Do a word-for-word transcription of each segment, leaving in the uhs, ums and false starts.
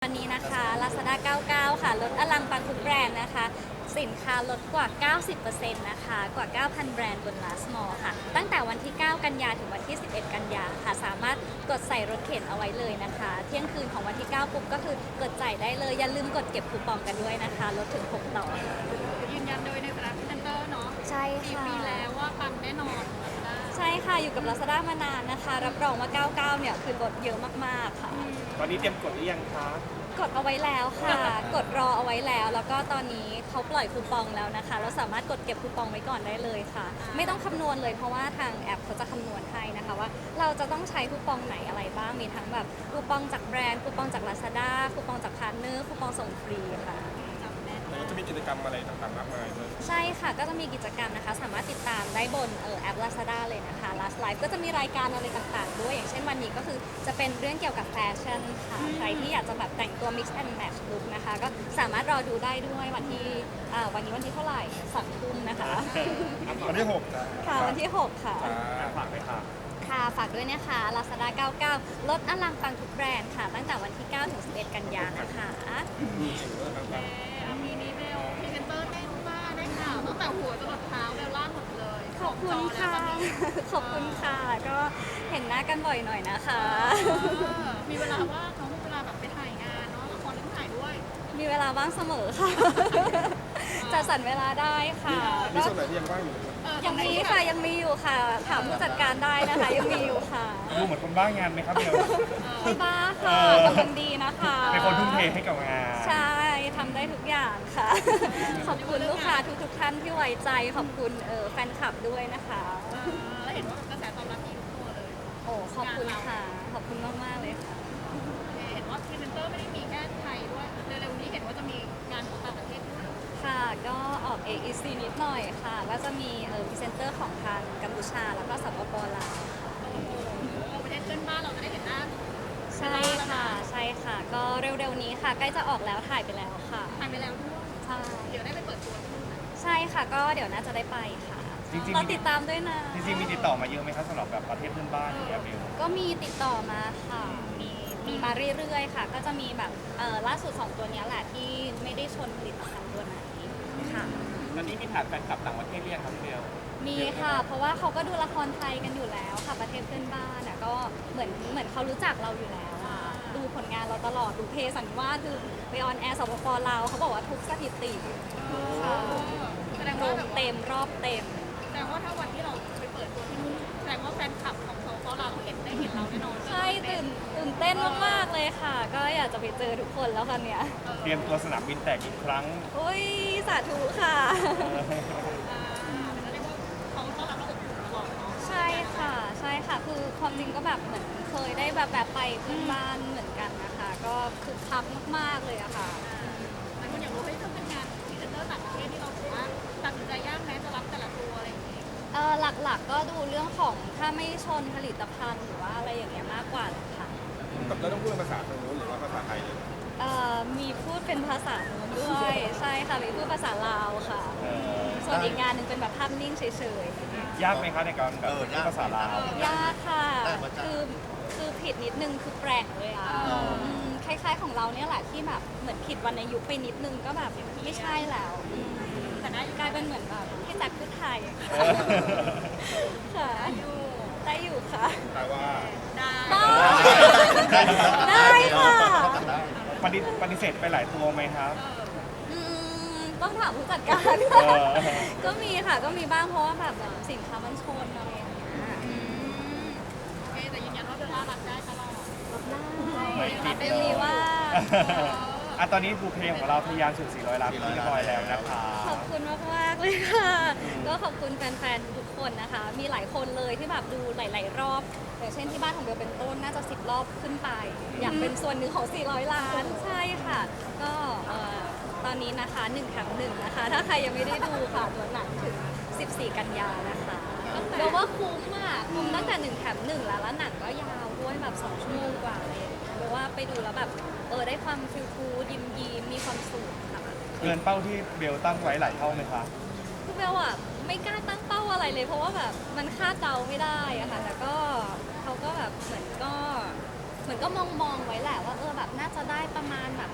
อนนี้นะคะ Lazada เก้าสิบเก้า ค่ะลดอลังปังทุกแบรนด์นะคะ สินค้าลดกว่า เก้าสิบเปอร์เซ็นต์ นะคะ กว่า เก้าพัน แบรนด์บน Last Mall ค่ะ ตั้งแต่วันที่ เก้า กันยาถึงวันที่ สิบเอ็ด กันยาค่ะ สามารถกดใส่รถเข็นเอาไว้เลยนะคะ เที่ยงคืนของวันที่ เก้า ปุ๊บก็คือกดจ่ายได้เลย อย่าลืมกดเก็บคูปองกันด้วยนะคะ ลดถึง หก ต่อยืนยันโดยในฐานะพรีเซนเตอร์เนาะใช่สี่ค่ะปีแล้วว่าปังแน่นอนใช่ค่ะ อยู่กับ Lazada มานานนะคะ รับรองว่า เก้าสิบเก้า เนี่ยคือลดเยอะมากๆค่ะตอนนี้เตรียมกดหรือยังคะกดเอาไว้แล้วค่ะ กดรอเอาไว้แล้ว แล้วก็ตอนนี้เขาปล่อยคูปองแล้วนะคะ เราสามารถกดเก็บคูปองไว้ก่อนได้เลยค่ะ ไม่ต้องคำนวณเลยเพราะว่าทางแอปเขาจะคำนวณให้นะคะว่าเราจะต้องใช้คูปองไหนอะไรบ้าง มีทั้งแบบคูปองจากแบรนด์ คูปองจาก Lazada คูปองจากพาร์ทเนอร์ คูปองส่งฟรีค่ะแล้วจะมีกิจกรรมอะไรต่างๆมากมายเลยใช่ค่ะ ก็จะมีกิจกรรมนะคะ สามารถติดตามได้บนเอ่อแอป Lazada เลยนะคะ Last Life ก็จะมีรายการอะไรต่างๆด้วย อย่างเช่นวันนี้ก็คือจะเป็นเรื่องเกี่ยวกับแฟชั่นค่ะ ใครที่อยากจะแบบแต่งตัว mix and match look นะคะ ก็สามารถรอดูได้ด้วยวันที่อ่าวันนี้วันที่เท่าไหร่สองทุ่มนะคะวันที่หกค่ะ วันที่ หก ค่ะฝากไปค่ะค่ะ ฝากด้วยนะคะ Lazada เก้าสิบเก้า ลดอลังปังทุกแบรนด์ค่ะ ตั้งแต่วันที่ เก้า ถึง สิบเอ็ด กันยายนนะคะมีนีเบลพรีเซนเตอร์ได้มากได้ข่าวตั้งแต่หัวจรดเท้าเบลล่าหมดเลยขอบคุณค่ะ ขอบคุณค่ะ ก็เห็นหน้ากันบ่อยหน่อยนะคะมีเวลาว่างเนาะมีเวลาแบบไปถ่ายงานเนาะละครเรื่องถ่ายด้วยมีเวลาว่างเสมอค่ะ จัดสรรเวลาได้ค่ะมีก็ส่วนไหนที่ยังว่างอยู่ยังมีค่ะ ยังมีอยู่ค่ะ ถามผู้จัดการได้นะคะ ยังมีอยู่ค่ะดูเหมือนคนบ้างานไหมครับเบลไม่บ้าค่ะเออกำลังดีนะคะเป็นคนทุ่มเทให้กับงานใช่ ทำได้ทุกอย่างค่ะ ขอบคุณลูกค้าทุกๆท่านที่ไว้ใจ ขอบคุณเออแฟนคลับด้วยนะคะแล้วเห็นว่ากระแสตอบรับดีทุกตัวเลยโอ้ขอบคุณค่ะ ขอบคุณมากๆเลยค่ะเห็นว่าพรีเซนเตอร์ไม่ได้มีแค่ไทยด้วยเร็วๆนี้เห็นว่าจะมีงานของต่างประเทศด้วยค่ะ ก็ออก เอ อี ซี นิดหน่อยค่ะ ก็จะมีเออพรีเซนเตอร์ของทางกัมพูชา แล้วก็สปปลาวประเทศเพื่อนบ้านเราจะได้เห็นหน้าใช่ค่ะ ใช่ค่ะ ก็เร็วๆนี้ค่ะ ใกล้จะออกแล้ว ถ่ายไปแล้วค่ะถ่ายไปแล้วด้วยใช่เดี๋ยวได้ไปเปิดตัวที่นู่นนะใช่ค่ะ ก็เดี๋ยวน่าจะได้ไปค่ะจริงรอๆมีติดตามด้วยนะจริงๆมีติดต่อมาเยอะไหมครับสำหรับแบบประเทศเพื่อนบ้านอย่างเงี้ยเบลก็มีติดต่อมาค่ะ มีมีมาเรื่อยๆค่ะ ก็จะมีแบบเออล่าสุดสองตัวเนี้ยแหละที่ไม่ได้ชนผลิตภัณฑ์ตัวไหนค่ะตอนนี้มีฐานแฟนคลับต่างประเทศเรียกครับเบลมีค่ะ เพราะว่าเขาก็ดูละครไทยกันอยู่แล้วค่ะ ประเทศเพื่อนบ้านอ่ะก็เหมือนเหมือนเขารู้จักเราอยู่แล้วอะดูผลงานเราตลอด ดูเพสันวาดดูไปออนแอร์สปปลาวเขาบอกว่าทุกสถิติค่ะแสดงโรว่าง แบบเต็มรอบเต็มแสดงว่าถ้าวันที่เราไปเปิดตัวที่นู่นแสดงว่าแฟนคลับของเขาเราเห็นได้เห็นเราแน่นอนใช่ตื่นตื่นเต้นมากๆเลยค่ะ ก็อยากจะไปเจอทุกคนแล้วค่ะเนี่ยเตรียมตัวสนามบินแตกอีกครั้งอุ้ยสาธุค่ะเรียกว่าเขาต้อนรับเราอบอุ่นตลอดเนาะใช่ค่ะ ใช่ค่ะ คือความจริงก็แบบเหมือนเคยได้แบบแบบไปเพื่อนบ้านเหมือนกันนะคะ ก็คือคักมากๆเลยอะค่ะแต่คนอยากรู้ว่าถ้าเป็นงานพรีเซนเตอร์ต่างประเทศที่เราถือว่าตัดสินใจยากแม้จะรับแต่ละตัวอะไรอย่างนี้เออหลักๆก็ดูเรื่องของถ้าไม่ชนผลิตภัณฑ์หรือว่าอะไรอย่างเงี้ยมากกว่าเลยค่ะแล้วต้องพูดภาษาทางโน้นหรือว่าภาษาไทยเลยเอ่อมีพูดเป็นภาษาโน้นด้วย ใช่ค่ะ มีพูดภาษาลาวค่ะ ส่วนอีกงานหนึ่งเป็นแบบภาพนิ่งเฉยๆยากไหมคะในการแบบพูดภาษาลาวยากค่ะ คือคือผิดนิดนึงคือแปลงเลยอ่ะมคล้ายๆของเราเนี่ยแหละที่แบบเหมือนผิดวรรณยุกต์ไปนิดนึงก็แบบไม่ใช่แล้วอืมแต่ได้กลายเป็นเหมือนแบบพี่แจ็คพูดไทยค่ะได้อยู่ค่ะแต่ว่าได้ได้ได้ค่ะปฏิปฏิเสธไปหลายตัวไหมครับอืมต้องถามผู้จัดการเออก็มีค่ะก็มีบ้างเพราะว่าแบบเหมือนสินค้ามันชนอะไรอย่างเงี้ยอืมโอเคแต่ยืนยันว่าเบลล่ารับได้ตลอดไม่ติดไม่มีว่าอ่ะตอนนี้บูเพลงของเราทะยานสู่สี่ร้อยล้านที่เรียบร้อยแล้วนะคะขอบคุณมากมากๆเลยค่ะ ก็ขอบคุณแฟนๆ ทุกคนนะคะ มีหลายคนเลยที่แบบดูหลาย ๆ รอบ อย่างเช่นที่บ้านของเบลเป็นต้นน่าจะสิบรอบขึ้นไป อยากเป็นส่วนหนึ่งของ สี่ร้อย ล้าน ใช่ค่ะ ก็เอ่อตอนนี้นะคะหนึ่งแถมหนึ่งนะคะ ถ้าใครยังไม่ได้ดูค่ะตัวหนังถึง สิบสี่ กันยานะคะเบลว่าคุ้มอ่ะคุ้มตั้งแต่หนึ่งแถมหนึ่งแล้วแล้วหนังก็ยาวด้วยแบบสองชั่วโมงกว่าเลยเบลว่าไปดูแล้วแบบเออได้ความฟิลฟูยิ้มยิ้มมีความสุขค่ะเกินเป้าที่เบลตั้งไว้หลายเท่าไหมคะคือเบลอะไม่กล้าตั้งเป้าอะไรเลยเพราะว่าแบบมันคาดเดาไม่ได้อะค่ะแต่ก็เขาก็แบบเหมือนก็เหมือนก็มองมองๆไว้แหละว่าเออแบบน่าจะได้ประมาณแบบ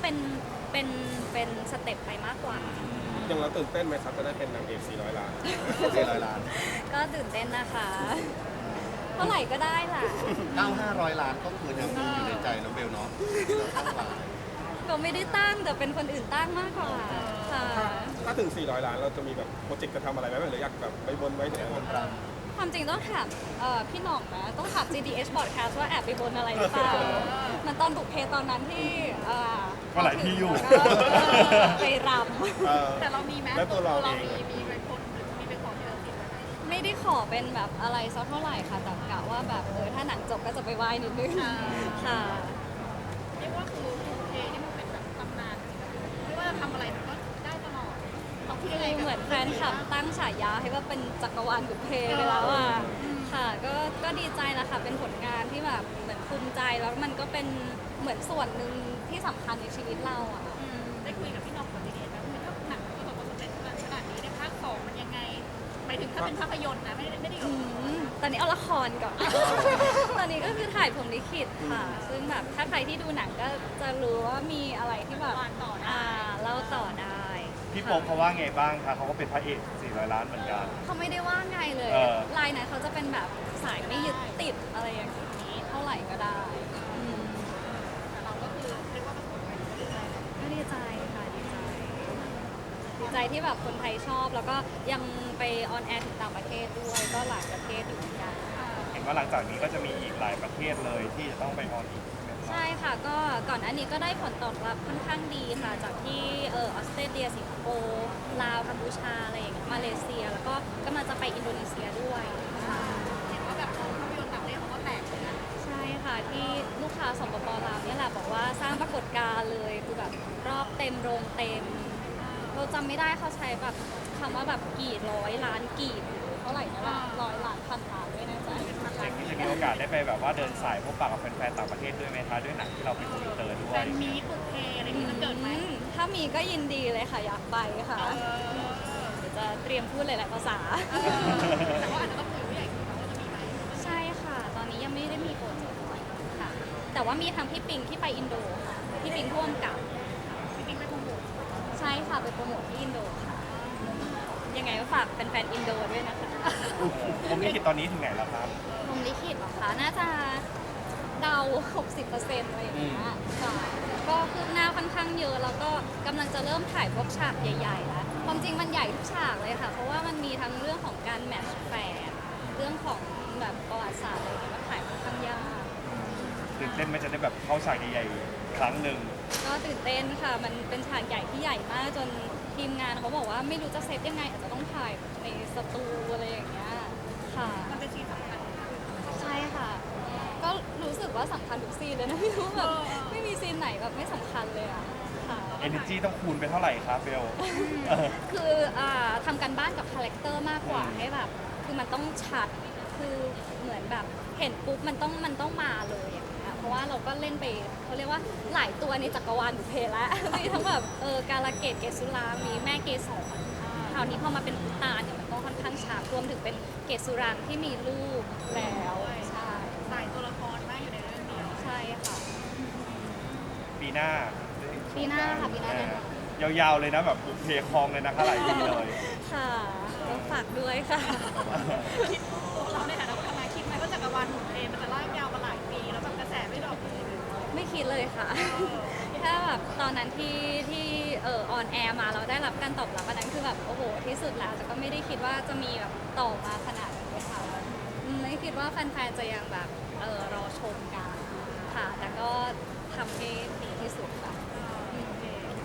เป็นเป็นเป็นสเต็ปไปมากกว่ายังเราตื่นเต้นไหมครับจะได้เป็นนางเอกสี่ร้อยล้านสี่ร้อยล้านก็ตื่นเต้นนะคะ เท่าไหร่ก็ได้ล่ะเก้าห้าร้อยล้านก็คือยังมีอยู่ในใจน้องเบลเนาะที่เราตั้งไว้ก็ไม่ได้ตั้งแต่เป็นคนอื่นตั้งมากกว่าค่ะถ้าถึงสี่ร้อยล้านเราจะมีแบบโปรเจกต์จะทำอะไรไหมหรืออยากแบบไปบนไว้ที่ไหนคนรความจริงต้องถามเอ่อพี่หน่องนะต้องถาม จี ดี เอช Podcast ว่าแอบไปบนอะไรหรือเปล่าเหมันตอนบุกเพตอนนั้นที่เอ่อก็หลายที่อยู่ก็ไปรเออแต่เรามีไหมแล้วตัวเราเองมีมีไปคนหรือมีไปขอที่เราติดไว้ไหมำไม่ได้ขอเป็นแบบอะไรสักเท่าไหร่ค่ะแต่กะว่าแบบเออถ้าหนังจบก็จะไปไหว้นิดนึงค่ะเรียกว่าคือโอเคนี่มันเป็นแบบตำนานไม่ว่าจะทำอะไรมันก็ได้ตลอดเราคิดคืยังไงอกับเหมือนแฟนคลับตั้งฉายาให้ว่าเป็นจักรวาลบุพเพไปแล้วอ่ะค่ะก็ก็ดีใจแหละค่ะเป็นผลงานที่แบบเหมือนภูมิใจแล้วมันก็เป็นเหมือนส่วนหนึ่งที่สำคัญในชีวิตเราอ่ะอืมได้คุยกับพี่น้องคนนี้ไหมว่าถ้าหนังประสบความสำเร็จขนาดนี้ในภาคสองมันยังไงหมายถึงถ้าเป็นภาพยนตร์นะไม่ได้ไม่ได้อืมตอนนี้เอาละครก่อน ตอนนี้ก็คือถ่ายผมลิขิตค่ะ ซึ่งแบบถ้าใครที่ดูหนังก็จะรู้ว่ามีอะไรที่แบบวานต่อได้อ่าเล่าต่อได้พี่โป๊ปเขาว่าไงบ้างคะเขาก็เป็นพระเอกสี่ร้อยล้านเหมือนกันเขาไม่ได้ว่าไงเลยเออลายนั้นเขาจะเป็นแบบสายไม่ยึดติดอะไรอย่างนี้เท่าไหร่ก็ได้อืมแต่เราก็คือเรียกว่าประสบความสำเร็จก็ดีใจค่ะดีใจดีใจที่แบบคนไทยชอบแล้วก็ยังไปออนแอร์ถึงต่างประเทศด้วยก็หลายประเทศอยู่เหมือนกันเห็นว่าหลังจากนี้ก็จะมีอีกหลายประเทศเลยที่จะต้องไปออนอีกใช่ไหมครับใช่ค่ะก็ก่อนหน้านี้ก็ได้ผลตอบรับค่อนข้างดีค่ะ จากที่เออออสเตรเลียสิงคโปร์ลาวกัมพูชาอะไรอย่างเงี้ยมาเลเซีย แล้วก็กำลังจะไปอินโดนีเซียด้วยค่ะเห็นว่าแบบภาพยนตร์ต่างประเทศเขาก็แตกเลยนะใช่ค่ะที่ลูกค้าสปปลาวเนี่ยแหละบอกว่าสร้างปรากฏการณ์เลยคือแบบรอบเต็มโรงเต็ม เราจำไม่ได้เขาใช้แบบคำว่าแบบกี่ร้อยล้านกี่เท่าไหร่นะล่ะร้อยล้านพันล้านด้วยนะจ๊ะอย่างนี้จะมีโอกาสได้ไปแบบว่าเดินสายพบปะกับแฟนๆต่างประเทศด้วยไหมคะด้วยหนังที่เราเป็นคอมพิวเตอร์ด้วแฟยนมีตุกเทอะไรนี้มันเกิดไหมอืมถ้ามีก็ยินดีเลยค่ะอยากไปค่ะเออเดี๋ยวจะเตรียมพูดหลายๆภาษาเออแต่ว่าอาจจะต้องคุยกับผู้ใหญ่คุยกันว่าจะมีไหมใช่ค่ะ ตอนนี้ยังไม่ได้มีโปรเจกต์ค่ะ แต่ว่ามีทางพี่ปิงที่ไปอินโดค่ะ พี่ปิงพ่วงกับจริงๆไม่คงบุกใช่ค่ะไปโปรโมทที่อินโดค่ะ ยังไงก็ฝากแฟนๆอินโดด้วยนะคะผมลิขิตตอนนี้ถึงไหนแล้วครับผมลิขิตเหรอคะ น่าจะเดา หกสิบเปอร์เซ็นต์ อะไรอย่างเงี้ยค่ะก็คืบหน้าค่อนข้างเยอะ แล้วก็กำลังจะเริ่มถ่ายพวกฉากใหญ่ๆแล้ว ความจริงมันใหญ่ทุกฉากเลยค่ะ เพราะว่ามันมีทั้งเรื่องของการแมทช์แฟนเรื่องของแบบประวัติศาสตร์อะไรอย่างเงี้ยก็ถ่ายค่อนข้างยากตื่นเต้นไหมจะได้แบบเข้าฉากใหญ่ๆครั้งหนึ่งก็ตื่นเต้นค่ะ มันเป็นฉากใหญ่ที่ใหญ่มากจนทีมงานเขาบอกว่าไม่รู้จะเซตยังไง อาจจะต้องถ่ายในสตูอะไรอย่างเงี้ยค่ะมันเป็นซีนสำคัญใช่ค่ะ ก็รู้สึกว่าสำคัญทุกซีนเลยนะ ไม่รู้แบบเออไม่มีซีนไหนแบบไม่สำคัญเลยอะค่ะ Energy ต้องคูณไปเท่าไหร่ครับเบลเออคืออ่าทำกันบ้านกับคาแรคเตอร์มากกว่าให้แบบ คือมันต้องชัด คือเหมือนแบบเห็นปุ๊บมันต้องมันต้องมาเลยอย่างเงี้ยเพราะว่าเราก็เล่นไปเขาเรียกว่าหลายตัวในจักรวาลบุพเพแล้ว มีทั้งแบบเออกาลเกตเกศสุรามีแม่เกศรคราวนี้พอมาเป็นพุตานเนี่ยมันต้องค่อนข้างชัดรวมถึงเป็นเกศสุรางที่มีลูกแล้วใช่สายตัวละครมากอยู่ในเรื่องเดียวใช่ค่ะปีหน้าปีหน้าค่ะปีหน้าเอแน่นออนยาวๆเลยนะแบบบุกเพคลองเลยนะคะหลายปีเลยค่ะก็ฝากด้วยค่ะคิดเราในฐานะคนทำงานคิดไหมว่าจักรวาลของเพลงมันจะลากยาวมาหลายปีแล้วแบบกระแสไม่ดรอปเลยไม่คิดเลยค่ะ ถ้าแบบตอนนั้นที่ที่เออออนแอร์มาเราได้รับการตอบรับอันนั้นคือแบบโอ้โหที่สุดแล้วแต่ก็ไม่ได้คิดว่าจะมีแบบต่อมาขนาดนี้ค่ะอืมไม่คิดว่าแฟนๆจะยังแบบเออรอชมกันค่ะ แต่ก็ทำให้ดีที่สุดค่ะอืม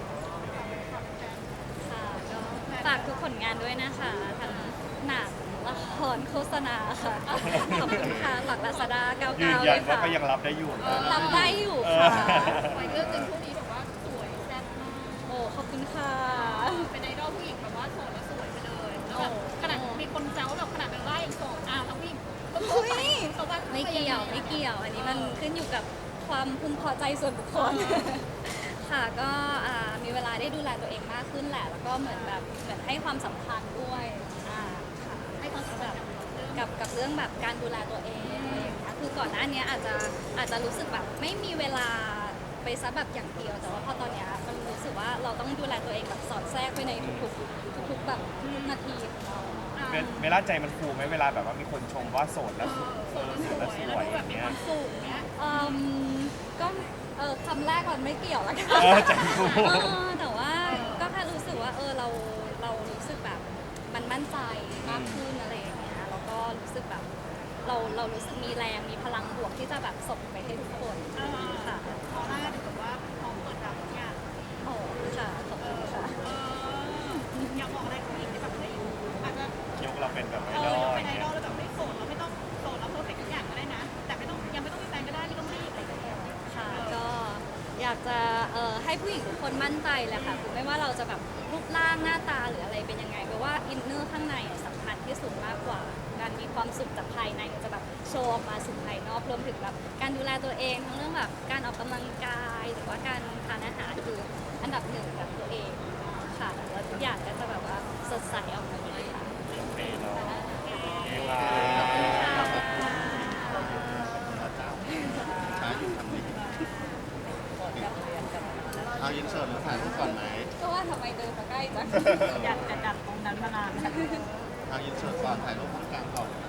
ค่ะก็ฝากทุกผลงานด้วยนะคะทั้งหนังละครโฆษณาค่ะ ขอบคุณค่ะหลักลาซาด้าเก้ายืเก้าน เลยันยว่าค่ะก็ยังรับได้อยู่นะรับได้อยู่เอค่ะอไปเรื่องหนึ่งช่วงนี้แบบว่าสวยแซ่บมากโอ้ขอบคุณค่ะเป็นไอดอลผู้หญิงแบบว่าโสดแล้วสวยไปเลยแล้วแบบขนาดมีคนเจ้าแบบขนาดเป็นไล่ยังโสดอ้าวทั้งผู้หญิงก็โสดไปเขาว่าไม่เกี่ยวไม่เกี่ยว อันนี้มันขึ้นอยู่กับความพึงพอใจส่วนบุคคล ค่ะก็อ่ามีเวลาได้ดูแลตัวเองมากขึ้นแหละ แล้วก็เหมือนแบบเหมือนให้ความสำคัญด้วยอ่าค่ะให้ความสำคัญกับเรื่องกับกับเรื่องแบบการดูแลตัวเองอะไรอย่างเงี้ยคือก่อนหน้านี้อาจจะอาจจะรู้สึกแบบไม่มีเวลาไปไปซะแบบอย่างเดียวแต่ว่าพอตอนเนี้ยมันรู้สึกว่าเราต้องดูแลตัวเองแบบสอดแทรกไปในทุกๆทุกๆแบบทุกนาทีของเราเวเวลาใจมันฟูไหมเวลาแบบว่ามีคนชมว่าโสดแล้วเออโสดแล้วสวยอย่างเงี้ยสูงเนี้ยอืมก็เออคำแรกมันไม่เกี่ยวละกันเออใจฟูเออแต่ว่าก็แค่รู้สึกว่าเออเราเรารู้สึกแบบมันมั่นใจมากขึ้นอะไรอย่างเงี้ยแล้วก็รู้สึกแบบเราเรารู้สึกมีแรงมีพลังบวกที่จะแบบส่งไปให้ทุกคนค่ะพอหน้าถึงแบบว่าพร้อมเปิดรับทุกอย่างโอ้ค่ะขอบคุณค่ะเอออยากบอกอะไรกับผู้หญิงที่แบบเฮ้ยอาจจะยกเราเป็นแบบไอเอดออลเป็นอไอย่าง ดเงี้อย ลแล้วแบบไม่โสดเราไม่ต้องโสดเราเพอร์เฟกต์ทุกอย่างก็ได้นะ แต่ไม่ต้องยังไม่ต้องมีแฟนก็ได้ไม่ต้องรีบอะไรอย่างเงี้ยค่ะก็อยากจะเอ่อให้ผู้หญิงทุกคนมั่นใจแหละค่ะคือไม่ว่าเราจะแบบรูปร่างหน้าตาหรืออะไรเป็นยังไงเพราะว่าอินเนอร์ข้างในอะสำคัญที่สุดมากกว่าการมีความสุขจากภายในจะแบบโชว์ออกมาสู่ภายนอกรวมถึงแบบการดูแลตัวเองทั้งเรื่องแบบการออกกำลังกายหรือว่าการทานอาหารคืออันดับหนึ่งกับตัวเองค่ะแล้วทุกอย่างก็จะแบบว่าสดใสออกมาดีค่ะโอเคเนาะเอวาช้าอยู่ทำนี้เอายินเสิร์ตมาถ่ายรูปก่อนไหมก็ว่าทำไมเดินมาใกล้จังอยากจะดัดตรงนั้นมานานเอายินเสิร์ตก่อนถ่ายรูปตรงกลางก่อนนะ